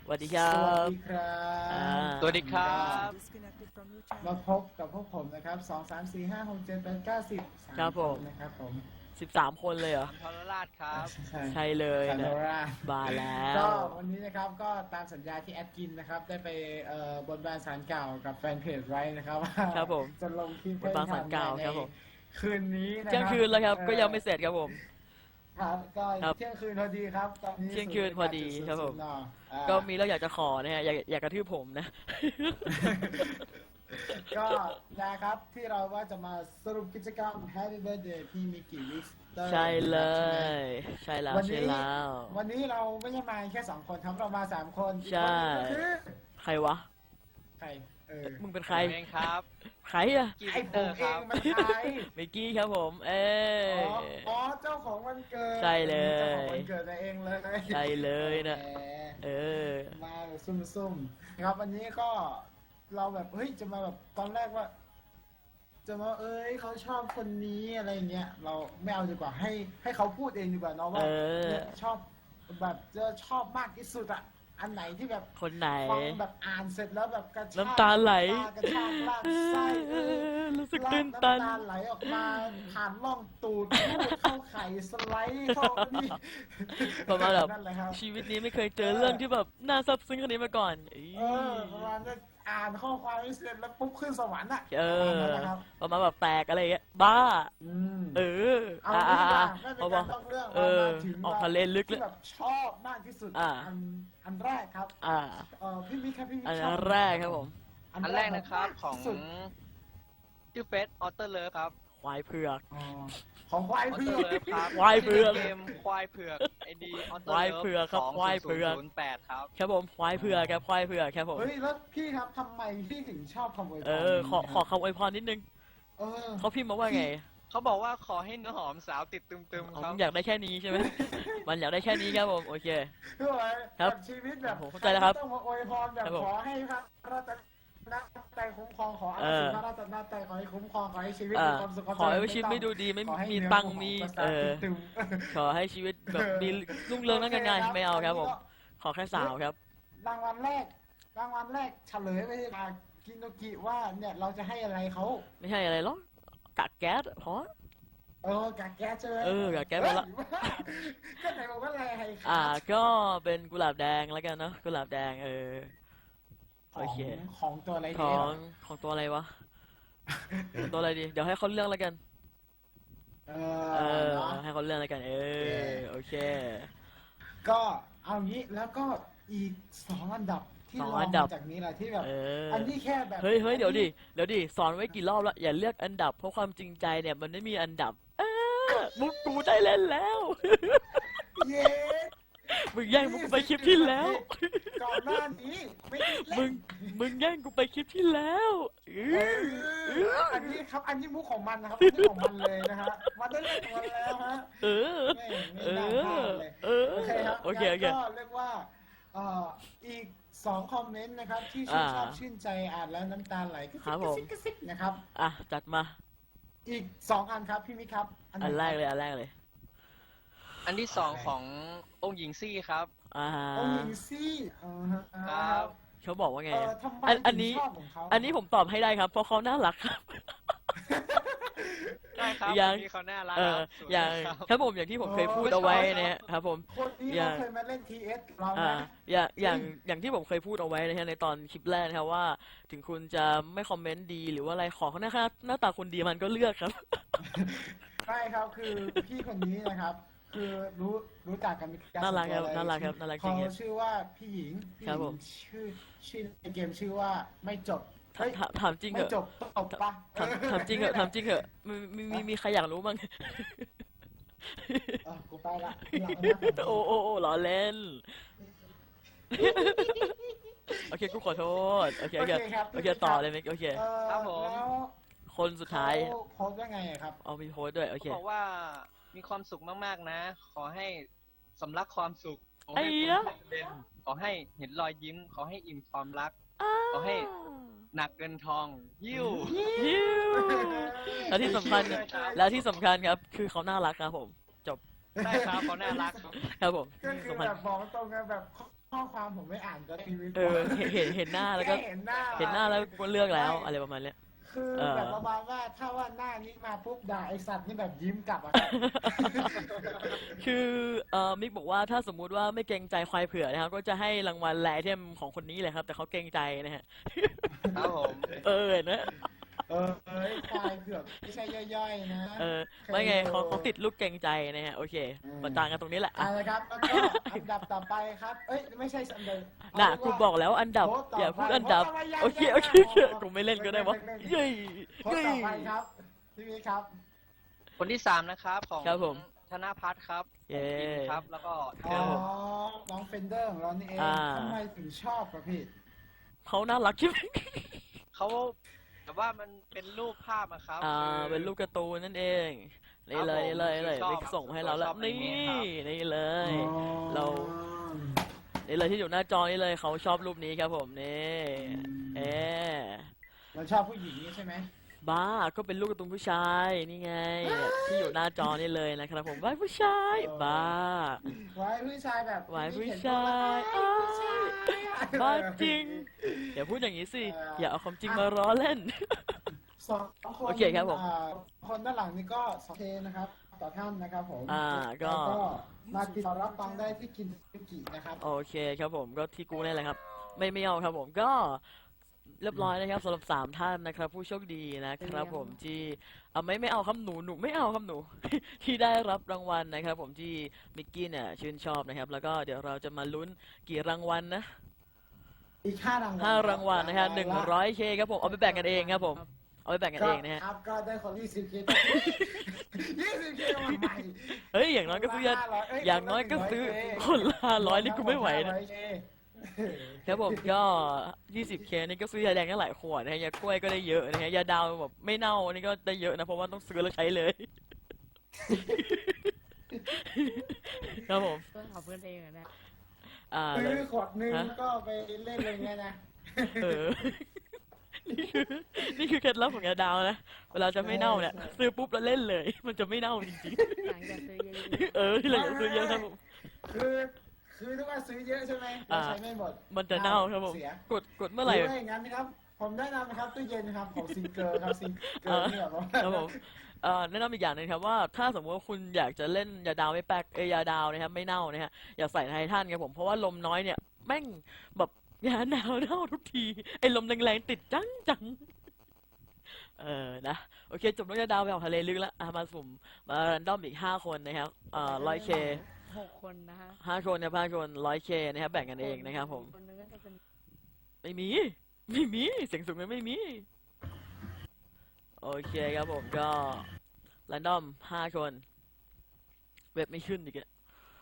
สวัสดีครัสวัสบดีครับสวัสดีครับมาพบกับพวกผมนะครับ2 3 4 5 6 7 8 9 10 ครับผมนะครับผม 13 คนเลยเหรอทรราชครับใช่เลยคาโนนะราบาแล้ก็ววันนี้นะครับก็ตามสัญญาที่แอดกินนะครับได้ไปบนบานสารกล่าวกับแฟนเพจไว้นะครับว่าครับผมจะลงคลิปบนบานศาลกล่าวในครับผมคืนนี้นะเที่ยงคืนแล้วครับ ก็ยังไม่เสร็จครับผมครับก็ครับเที่ยงคืนพอดีครับตอนนี้เที่ยงคืนพอดีครับผม 0.0 นอ่าก็มีแล้วอยากจะขอนะฮะอยากกระทืบผมนะก็นะครับที่เราว่าจะมาสรุปกิจกรรม Happy Birthday พี่มิกกี้ลิสเตอร์ใช่เลย ใช่แล้ววันใช่นี้แล้ววันนี้เราไม่ใช่มาแค่2 คนครับเรามา3 คนอีกใช่คนหนึ่งก็คือใครวะใครมึงเป็นใครผมเองครับใครอะกีไอ้วิกผเตอมร์เอครับงมันใครมิกกี้ครับผมอ๋อเจ้าของวันเกิดใช่เลยเจ้าของวันเกิดตัวเองเลยใช่เลยนะแหมเออมาแบบซุ่มๆนะครับวันนี้ก็เราแบบเฮ้ยจะมาแบบตอนแรกว่า จะมาเขาชอบคนนี้อะไรเงี้ยเราไม่เอาดีกว่าให้เขาพูดเองดีกว่าเนาะว่าเออเนี่ยชอบแบบจะชอบมากที่สุดอะอันไหนที่แบบคนไหนฟังแบบอ่านเสร็จแล้วแบบกระชากน้ำตาไหลกระชากลากไส้รู้สึกตื่นตันน้ำตาไหลออกมาผ่านร่องตูดพูดเข้าไข่สไลด์เข้านี่ประมาณแบบนั่นแหละครับชีวิตนี้ไม่เคยเจอเรื่องที่แบบน่าซับซึ้งขนาดนี้มาก่อนอี๋ประมาณนั้นอ่านข้อความไม่เสร็จแล้วปุ๊บขึ้นสวรรค์อะเอประมาณอนั้นนะครับประมาณแบบแตกอะไรอย่างเงี้ยบ้าอืมเออเอาอ่าดีกอ่าว่าไม่เป็นการต้องเรื่องเออมาถึงออกทะเลลึกเลยที่แบบชอบมากที่สุดอ่าอันแรกครับอ่าพี่มิกครับพี่มิกอันชอบแรกครับผมอันแรกนะครับของสุดชื่อเฟสออเตอร์เลิฟครับควายเผือกอ๋อของควายออเพื่เตออร์เลิฟครับควายเผือกเกมควายเผือกไอดีออเตอควายร์เลิฟเผือกครับควายเผือก 2008ครับครับผมควายเผือกครับควายเผือกครับผมเฮ้ยแล้วพี่ครับทำไมพี่ถึงชอบคำอวยพรเออ ขอนี้ขอคำอวยพรนิดนึงเออเขาพิมพ์มาว่าไงเขาบอกว่าขอให้เนื้อหอมสาวติดตึมอ๋อๆครับมึงอยากได้แค่นี้ใช่ไหม มันอยากได้แค่นี้ครับผม โอเคคืออะไรครับแบบชีวิตแบบผมเข้าใจแล้วครับต้องมาอวยพรแบบครับผมขอให้พระรัตนตรัยคุ้มครองขออาศิพระรัตนตรัยขอให้คุ้มครองขอให้ชีวิตมีความสุขความขอให้เจริญชีวิตไม่ดูดีไม่ขอให้มีเนื้อตังค์หอมีประสาเอทอตึมขอให้ชีวิตแบบมีรุ่งเรืองนั่นกันไงไม่เอาครับผม ขอแค่สาวครับรางวัลแรกเฉลยไปจากกินโนกิว่าเนี่ยเราจะให้อะไรเขาไม่ใช่อะไรหรอกกากแก๊สเพราะกากแก๊สใช่ไหมกากแก๊สมาละก็ไหนบอกว่าอะไรให้ครับก็เป็นกุหลาบแดงแล้วกันเนาะกุหลาบแดงโอเคของตัวอะไรขดีองของตัวอะไรวะ ตัวอะไรดี เดี๋ยวให้เขาเลือกแล้วกันเอเนาะให้เขาเลือกแล้วกัน โอเคก็เอางี้แล้วก็อีก2 อันดับที่สองรองอันดับมาจากนี้แหละที่แบบเอออันนี้แค่แบบเฮ้ยเดี๋ยวดิสอนไว้กี่รอบแล้วอย่าเลือกอันดับเพราะความจริงใจเนี่ยมันไม่มีอันดับมุกกูได้เล่นแล้วเย้มึงแย่งมุกกูไปคลิปที่แล้วก่อนหน้านี้ไม่ได้เล่นมึงแย่งกูไปคลิปที่แล้วอันนี้ครับอันนี้มุกของมันนะครับอันนี้ของมันเลยนะฮะมันได้เล่นของมันแล้วฮะเออไม่น่าพลาดเลยเออโอเคครับโอเคงั้นก็เรียกว่าอีก2 คอมเมนต์นะครับที่ชื่นชอบชื่นใจอ่านแล้วน้ำตาไหลกระครับผมซิบกระซิบนะครับจัดมาอีก2 อันครับพี่มิกครับไหอันแรกเลยอันที่สองขององค์หญิงซี่ครับโอ้ยซี่ครับเขาบอกว่าไงทำไมอันถึนี้งชอบของเขาอันนี้ผมตอบให้ได้ครับ เพราะเขาน่ารักครับได้ครับยังคนนี้เขาน่ารักเอคอรับสวยอย่างครับครับผมอย่างที่ผมเคยพูดเอาไว้นะครับผมคนนี้อย่าเราเคยมาเล่น TS กับเราอ่านะอย่างที่ผมเคยพูดเอาไว้นะฮะในตอนคลิปแรกนะครับว่า ถึงคุณจะไม่คอมเมนต์ดีหรือว่าอะไรขอเขาหน้าตาคุณดีมันก็เลือกครับใช่ครับคือพี่คนนี้นะครับ คือรู้จักกันมีการน่ารักครับส่วตัวน่ารักครับน่ารักจริงเขาชื่อว่าพี่หญิงครับผมชื่อในเกมชื่อว่าไม่จบเฮ้ยถามจริงเหไม่อะจบตบปะถามจริงเหอะถามจริงเหอะมีใครอยากรู้บ้างกูไปละหลังนะโอ้ล้อเล่น โอเคกูขอโทษโอเคครับโอเคต่อเลยมิกโอเคครับผมแล้วคนสุดท้ายเขาโพสต์ว่าไงอะครับเอามีโพสต์ด้วยโอเคเขาบอกว่ามีความสุขมากๆนะ ขอให้สำลักความสุข ขอไอ้ให้เหี้ยเป็นเด่นขอให้เห็นรอยยิ้ม ขอให้อิ่มความรัก ขอให้ หนักเงินทองยิ้วฮิวแล้วที่สำคัญ แล้วที่สำคัญครับ คือเขาน่ารักครับผมได้ครับเขาน่ารักครับครับผมก็คือสำคัญแบบบอกตรงกันแบบข้อความผมไม่อ่านก็ทีวีเห็นหน้าแล้วก็แค่เห็นหน้าเห็นหน้าแล้วก็เลือกแล้วอะไรประมาณเนี้ยคือเออแบบประมาณว่าถ้าว่าหน้านี้มาปุ๊บด่าไอสัตว์นี่แบบยิ้มกลับอะคือมิกบอกว่าถ้าสมมุติว่าไม่เกรงใจควายเผือกนะครับก็จะให้รางวัลแลไอเทมของคนนี้เลยครับแต่เขาเกรงใจนะฮะครับผมเห็นนะเอ้ยควายเผือกไม่ใช่ย่อยๆนะไม่ไงเขาติดลูกเกรงใจนะฮะโอเคประจานกันตรงนี้แหละเอาละครับแล้วก็อันดับต่อไปครับเอ้ยไม่ใช่อันดับน่ะเากูเรียบอกแล้วอันดับโพสต์ต่อย่าพูดอันดับโพสต์ต่โอเคไปโอเคยังกูไม่เล่นก็ได้วะเย้ยโพสต์ต่อไปครับพี่มีครับคนที่ 3นะครับของครับผมธนพัฒน์ครับเย้อิมครับ แล้วก็อ๋อน้องเฟนเดอร์ของเรานี่เองอ่าทำไมถึงชอบครับพี่เขาน่ารักใช่ไหมเขาแต่ว่ามันเป็นรูปภาพอะครับเป็นรูปการ์ตูนนั่นเองนี่เลยนี่เลยนี่เลยชอบมิกส่งมาให้เราแล้วชอบอันนี่นี้ครับนี่เลย เรา นี่เลยที่อยู่หน้าจอนี่เลยเขาชอบรูปนี้ครับผมนี่เอ๊ะมันชอบผู้หญิงนี่ใช่ไหมบ้าก็เป็นลูกการ์ตูนผู้ชายนี่ไงที่อยู่หน้าจอนี่เลยนะครับผมว้ายผู้ชายบ้าไว้ผู้ชายแบบไว้ผู้เห็นชายตัวละครผู้ชายบ้าจริง อย่าพูดอย่างนี้สิ อย่าเอาความจริงมาล้อเล่นสองคนโอเคครับผมคนด้านหลังนี่ก็สองเคนะครับ ต่อท่านนะครับผมก็แล้วมาติดต่อรับฟังได้ที่กินซุกินะครับโอเคครับผมก็ที่กูนี่แหละครับ ไม่เอาครับผมก็เรียบร้อยนะครับสำหรับ3ท่านนะครับ ผู้โชคดีนะครับผมที่ไม่เอาครับหนูไม่เอาครับหนู ที่ได้รับรางวัลนะครับ ผมที่มิกกี้เนี่ยชื่นชอบนะครับ แล้วก็เดี๋ยวเราจะมาลุ้นกี่รางวัลนะอีก5 รางวัล 5 รางวัลนะฮะ100K ครับผมเอาไปแบ่งกันเองครับผมเอาไปแบ่งกันเองนะฮะครับก็ได้คน 20K 20K มาใหม่เฮ้ยอย่างน้อยก็ซื้ออย่างน้อยก็ซื้อคนละ500นี่กูไม่ไหวนะ ครับผมก็ 20K นี่ก็ซื้อยาแดงได้หลายขวดนะฮะยากล้วยก็ได้เยอะนะฮะยาดาวแบบไม่เน่านี่ก็ได้เยอะนะเพราะว่าต้องซื้อแล้วใช้เลย ครับผมเพื่อนของเพื่อนเองอะนะซื้อขวดนึงฮะก็ไปเล่นเลยไงนะเออ นี่คือเคล็ดลับของยาดาวนะเวลาจะไม่เน่าเนี่ยซื้อปุ๊บแล้วเล่นเลย มันจะไม่เน่าจริงหลังจากซื้อเยอะๆที่เราอยากซื้อเยอะครับผมคือถ้าว่าซื้อเยอะใช่ไหมเราใช้ไม่หมดมันจะเน่าครับผมเสียกดเมื่อไหร่หรือว่าอย่างนั้นนะครับ ผมแนะนำนะครับตู้เย็นนะครับของซิงเกิลครับซิงเกิลเนี่ยแบบว่าครับผมแนะนำอีกอย่างหนึงครับว่าถ้าสมมติว่าคุณอยากจะเล่นยาดาวไม่แป๊กยาดาวนะครับไม่เน่านะฮะอย่าใส่ไททันครับผมเพราะว่าลมน้อยเนี่ยแม่งแบบยาหนาวเน่าทุกทีไอ้ลมแรงๆติดจังนะโอเคจบเรื่องยาดาวไปออกทะเลลึกแล้วมาสุ่มมารันดอมอีก5 คนนะครับ100K 6 คนนะฮะ 5 คนนะ5 คน 100K นะครับแบ่งกันเองนะครับผมคนนึงก็จะเป็นไม่มีเสียงสูงไม่มีโอเคครับผมก็รันดอม5 คนเว็บไม่ขึ้นอีกอะ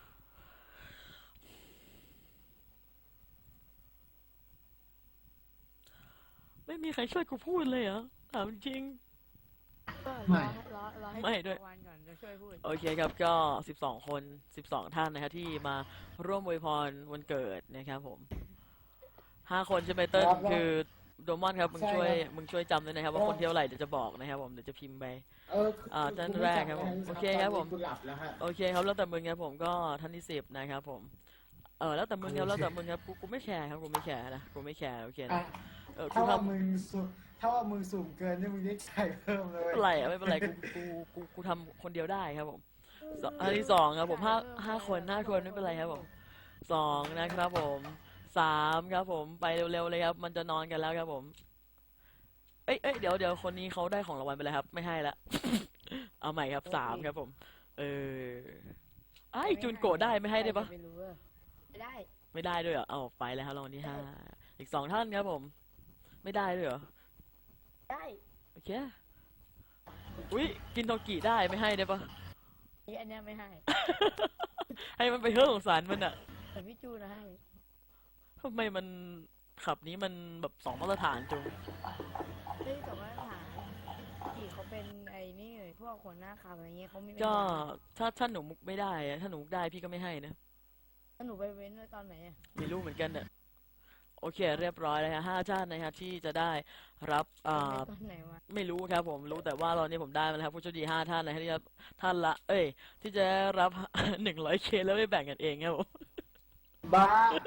ไม่มีใครช่วยกูพูดเลยเหรอถามจริงก็ไม่รอให้ไม่ด้วยถึงวันก่อนจะช่วยพูดโอเคครับก็12 คน12 ท่านนะครับที่มาร่วมอวยพรวันเกิดนะครับผม5 คนใช่ไหมเติ้ลครับคือโดมอนครับมึงใช่ช่วยครับมึงช่วยจำด้วยนะครับว่าคนที่เท่าไหร่เดี๋ยวจะบอกนะครับผมเดี๋ยวจะพิมพ์ไป ท่านแรกครับผมโอเคครับผมกูหลับแล้วฮะโอเคครับแล้วแต่มึงครับผมก็ท่านที่10นะครับผมแล้วแต่มึงครับแล้วแต่มึงครับกูไม่แคร์ครับกูไม่แคร์นะกูไม่แคร์โอเคอ่ะนะกูถ้าว่าทำมึงสุ่มถ้าว่ามึงสุ่มเกินนี่มึงได้ใส่เพิ่มเลยไม่เป็นไรไม่เป็นไรกูทำคนเดียวได้ครับผมอันที่2ครับผมห้าคนไม่เป็นไรครับผม2นะครับผม3ครับผมไปเร็วๆเลยครับมันจะนอนกันแล้วครับผมเอ้ยเดี๋ยวคนนี้เขาได้ของรางวัลไปแล้วครับไม่ให้ละ เอาใหม่ครับ3ครับผมไอ้จูนโกะได้ไม่ให้ได้ปะไม่รู้อะไม่ได้ไม่ได้ด้วยเหรอเอาไปแล้วครับรางวัลที่5อีก2 ท่านครับผม ไม่ได้ด้วยเหรอได้โอเคอุ้ยกินโทกิได้ไม่ให้ได้ปะอันเนี้ยไม่ให้ให้มันไปเฮ้อของสารมันอะแต่พี่จูนะให้ทำไมมันขับนี้มันแบบ2 มาตรฐานจุงเฮ้ยแต่ว่าฐานที่เขาเป็นไอ้นี่พวกคนหน้าขาวอะไรเงี้ยเขาไม่เป็นก็ฐานถ้าหนูมุกไม่ได้อะถ้าหนูมุกได้พี่ก็ไม่ให้นะแล้วหนูไปเว้นไว้ตอนไหนอะไม่รู้เหมือนกันเนี่ยโอเคเรียบร้อยแล้วฮะ5 ท่านนะครับที่จะได้รับเว้นไว้ตอนไหนวะไม่รู้ครับผมรู้แต่ว่าตอนนี้ผมได้มาแล้วครับผู้โชคดี5 ท่านนะครับที่จะท่านละที่จะรับ 100K แล้วไปแบ่งกันเองครับผมบ้า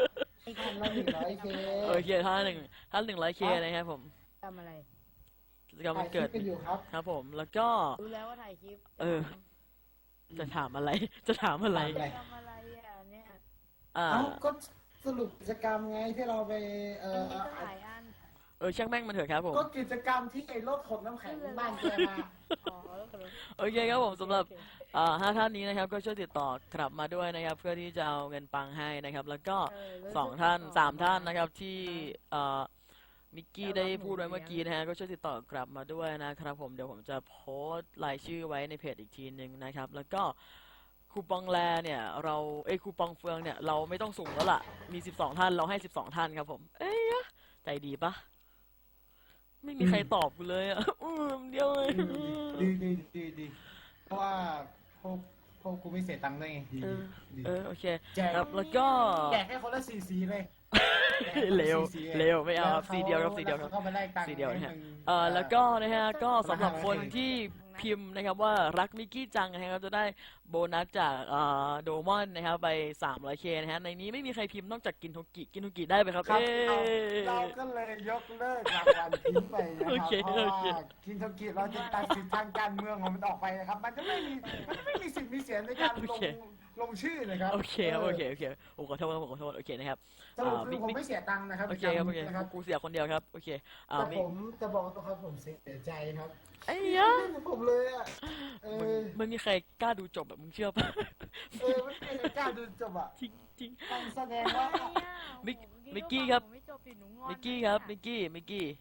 อีกท่านละ100K โอเคถ้า 100K นะครับผมทำอะไรกิจกรรมถ่าวัยนคลิเกิปดกันอยู่ครับครับผมแล้วก็รู้แล้วว่าถ่ายคลิปเออ จะถามอะไร จะถามอะไรถามอะไรทำอะไรอ่ะเนี่ยอ่าเอ้าก็สรุปกิจกรรมไงที่เราไปอันนี้ก็หลายอันช่างแม่งมันเถอะครับผมก็กิจกรรมที่ไอ้รถขนน้ำแข็งบ้านแกมาอ๋อแล้วก็รู้โอเคครับผมสำหรับ5 ท่านนี้นะครับก็ช่วยติดต่อกลับมาด้วยนะครับ เพื่อที่จะเอาเงินปังให้นะครับ แล้วก็ 2 ท่าน 3 ท่านนะครับที่มิกกี้ได้พูดไว้เมื่อกี้นะฮะก็ช่วยติดต่อกลับมาด้วยนะครับผมเดี๋ยวผมจะโพสต์รายชื่อไว้ในเพจอีกทีหนึ่งนะครับ แล้วก็คูปองแลเนี่ยเราคูปองเฟืองเนี่ยเราไม่ต้องสุ่มแล้วล่ะมี12 ท่านเราให้12 ท่านครับผมใจดีปะไม่มีใครตอบกูเลยอ่ะเดียวเลยดีเพราะว่าพวกกูไม่เสียตังค์ด้วยไงดีดีโอเคแจกครับแล้วก็แจกให้คนละสีเลยเร็วไม่เอาครับสีเดียวครับสีเดียวครับแล้วขาก็ไปไล่ตังค์สีเดียวนะฮะให้มึงแล้วก็นะฮะก็สำหรับคนที่พิมพ์นะครับว่ารักมิกกี้จังนะครับจะได้โบนัสจากโดมอนนะครับไป 300K นะฮะในนี้ไม่มีใครพิมพ์นอกจากกินโทกิได้ไหมครับครับเอ้เราก็เลยยกเลิกรางวัลทิ้งไปนะคโอรับเคเพราะโอว่าเคคินโทกิเราจะตัดสิทธิ์ทางการเมืองของมันออกไปนะครับ มันจะไม่มีสิทธิ์มีเสียงในการลงชื่อนะครับโอเคครับโอเคโอ้ขอโทษครับผมขอโทษโอเคนะครับสรุปคือผมไม่เสียตังค์นะครับโอเคครับโอเคนะครับกูเสียคนเดียวครับโอเคแต่มิผมจะบอกตรงครับผมเสียใจครับไอ้ยะผมเลยอ่ะไม่มีใครกล้าดูจบแบบมึงเชื่อปะไม่เคยกล้าดูจบอ่ะจริงต้องแสดงว่ามิกกี้ครับไม่จบดิหนูงอนมิกกี้ครับมิกกี้ไป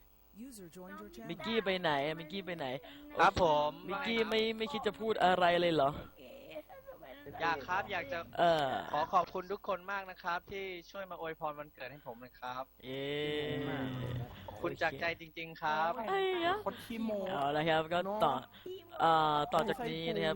ไหนมิกกี้ไปไหนครับผมมิกกี้ไม่คิดจะพูดอะไรเลยเหรออยากครับอยากจะ ขอขอบคุณทุกคนมากนะครับ ที่ช่วยมาอวยพรวันเกิดให้ผมนะครับ ขอบคุณจากใจจริง ๆ ครับไอ้ยะคนขี้โมเอาละครับก็ต่อจากนี้นะครับ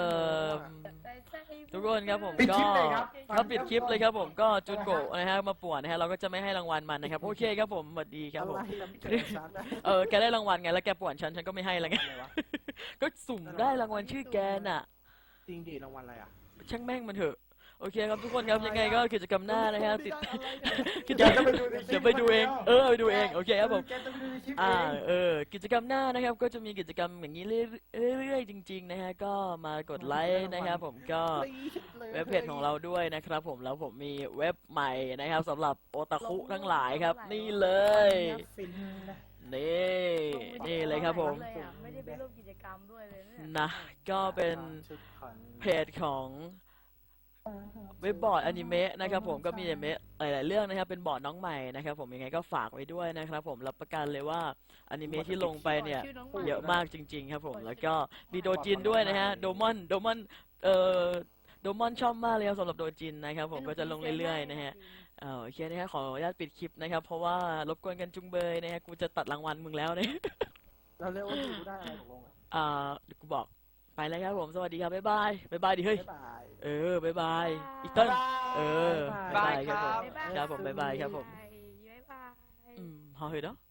ทุกคนครับผมปิดก็คลิปเลยครับถ้าปิดคลิปเลยครับผมก็จุนโกะนะฮะมาป่วนนะฮะเราก็จะไม่ให้รางวัลมันนะครับโอเคครับผมสวัสดีครับผมอะไรนะพี่เกิดฉันนะแกได้รางวัลไงแล้วแกป่วนฉันก็ไม่ให้แล้วไงอะไรวะก็สุ่มได้รางวัลชื่อแกน่ะจริงดิรางวัลอะไรอ่ะช่างแม่งมันเถอะโอเคครับทุกคนครับยังไงก็กิจกรรมหน้านะฮะติดกิจกรรม เดี๋ยวไปดูเองไปดูเองโอเคครับผมแกจะไปดูในคลิปเอกิจกรรมหน้านะครับก็จะมีกิจกรรมอย่างนี้เรื่อยๆจริงๆนะฮะก็มากดไลค์นะครับผมก็เว็บเพจของเราด้วยนะครับผมแล้วผมมีเว็บใหม่นะครับสำหรับโอตาคุทั้งหลายครับนี่เลยนี่เลยครับผมไม่ได้ไปร่วมกิจกรรมด้วยเลยเนี่ยนะก็เป็นเพจของเว็บบอร์ดอนิเมะนะครับผมก็มีอนิเมะหลายๆเรื่องนะครับเป็นบอร์ดน้องใหม่นะครับผมยังไงก็ฝากไว้ด้วยนะครับผมรับประกันเลยว่าอนิเมะที่ลงไปเนี่ยเยอะมากจริงๆครับผมแล้วก็มีโดจินด้วยนะฮะโดมอนโดมอนชอบมากเลยครับสำหรับโดจินนะครับผมก็จะลงเรื่อยๆนะฮะโอเคนะฮะขออนุญาตปิดคลิปนะครับเพราะว่ารบกวนกันจุงเบยนะฮะกูจะตัดรางวัลมึงแล้วเนี่ยเราเรียกว่าดูได้อะไรตกลงอ่ะเดี๋ยวกูบอกไปแล้วครับผมสวัสดีครับบ๊ายบายดิเฮ้ยบ๊ายบายบ๊ายบายอีกต้นบ๊ายบายครับผมบ๊ายบายครับผมบ๊ายบายครับผมบ๊ายบาย好去的。